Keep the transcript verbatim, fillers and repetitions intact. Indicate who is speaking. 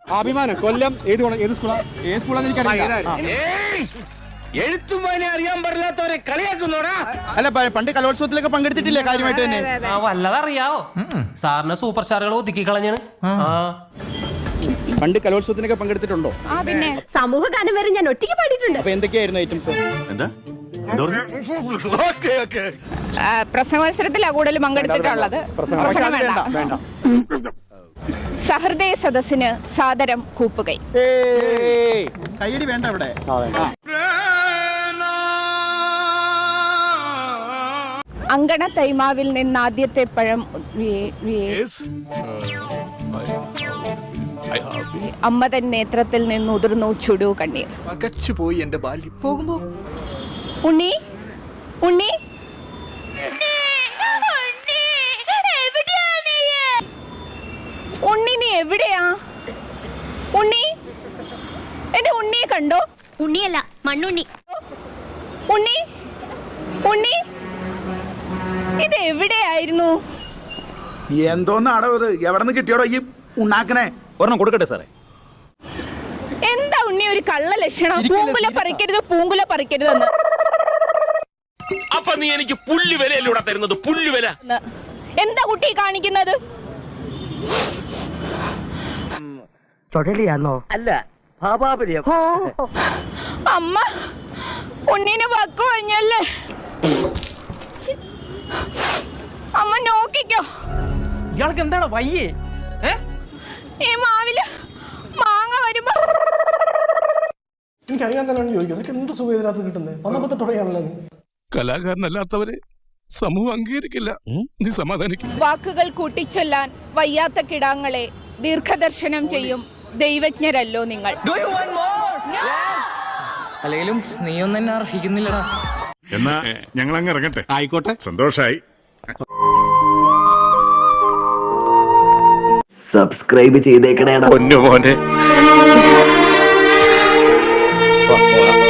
Speaker 1: അഭിമാനം കൊല്ലം ഏത് ഏത് സ്കൂളാ ഏത് സ്കൂളാന്ന് എനിക്കറിയില്ല.
Speaker 2: എഴുത്തുമാനെ അറിയാൻ പാടില്ലാത്തവരെ കളിയാക്കുന്നോടാ.
Speaker 1: അല്ല പണ്ട് കലോത്സവത്തിലൊക്കെ പങ്കെടുത്തിട്ടില്ലേ കാര്യമായിട്ട് തന്നെ?
Speaker 3: വല്ലതറിയാവോ? സാറിന് സൂപ്പർ സ്റ്റാറുകൾ ഒതുക്കി കളഞ്ഞാണ്.
Speaker 1: പണ്ട് കലോത്സവത്തിനൊക്കെ പങ്കെടുത്തിട്ടുണ്ടോ?
Speaker 4: പിന്നെ സമൂഹ ഗാനം വരെ ഞാൻ ഒറ്റയ്ക്ക് പാടിയിട്ടുണ്ട്.
Speaker 1: അപ്പൊ എന്തൊക്കെയായിരുന്നു ഐറ്റംസ്?
Speaker 5: എന്താ
Speaker 4: പ്രസംഗോത്സവത്തിലാണ് കൂടുതൽ പങ്കെടുത്തിട്ടുള്ളത്. സഹൃദയ സദസ്സിന് സാദരം കൂപ്പുകൈ.
Speaker 1: കൈയടി വേണ്ട ഇവിടെ.
Speaker 4: അങ്കണ തൈമാവിൽ നിന്ന് ആദ്യത്തെ പഴം അമ്മ തൻ നേത്രത്തിൽ നിന്ന് ഉതിർന്നു ചുടു കണ്ണീർ.
Speaker 1: പോയി എന്റെ ബാല്യം.
Speaker 4: പോകുമ്പോ ഉണ്ണി ഉണ്ണി ഉണ്ണി നീ എവിടെയാ? ഉണ്ണി എന്റെ ഉണ്ണിയെ കണ്ടോ?
Speaker 6: ഉണ്ണിയല്ല മണ്ണുണ്ണി.
Speaker 4: ഉണ്ണി ഉണ്ണി ഇത് എവിടെയായിരുന്നു?
Speaker 5: എന്തോന്നാടോ ഇത്? എവിടെ നിന്ന് കിട്ടിയോടോ ഈ ഉണ്ടാക്കണേ?
Speaker 2: ഒരെണ്ണം കൊടുക്കട്ടെ സാറേ.
Speaker 4: എന്താ ഉണ്ണി ഒരു കള്ള ലക്ഷണം? പൂങ്കുല പറിക്കരുത് പൂങ്കുല പറിക്കരുതെന്ന്.
Speaker 2: അപ്പൊ നീ എനിക്ക് പുല്ല് വിലയല്ലൂടെ തരുന്നത്? പുല്ല് വില
Speaker 4: എന്താ കുട്ടി കാണിക്കുന്നത്?
Speaker 7: ചൊടലിയാണോ? അല്ല ഭാപാപര്യം.
Speaker 4: അമ്മ ഉണ്ണീനെ വക്കു കഴിഞ്ഞല്ലേ? അമ്മ നോക്കിക്കോ.
Speaker 3: ഇയാൾക്ക് എന്താണ് വയ്യേ?
Speaker 4: ഈ മാവില് മാങ്ങ വരുമ്പോ
Speaker 8: എനിക്കറിയാൻ തന്നെ ചോദിക്കും എന്ത് സുഖം ഇതിനകത്ത് കിട്ടുന്നത്? പന്ത്രണ്ട് തുടങ്ങിയാണല്ലോ.
Speaker 5: കലാകാരനല്ലാത്തവരെ സമൂഹം അംഗീകരിക്കില്ല. നീ സമാധാനിക്കും.
Speaker 4: വാക്കുകൾ കൂട്ടിച്ചൊല്ലാൻ വയ്യാത്ത കിടാങ്ങളെ ദീർഘദർശനം ചെയ്യും ദൈവജ്ഞരല്ലോ നിങ്ങൾ.
Speaker 3: അല്ലെങ്കിലും നീയൊന്നും എന്നെ അർഹിക്കുന്നില്ലടാ.
Speaker 5: എന്നാ ഞങ്ങൾ അങ്ങ് ഇറങ്ങട്ടെ. ആയിക്കോട്ടെ, സന്തോഷായി.
Speaker 7: സബ്സ്ക്രൈബ് ചെയ്തേക്കണേടാ.
Speaker 5: പൊന്നു മോനെ.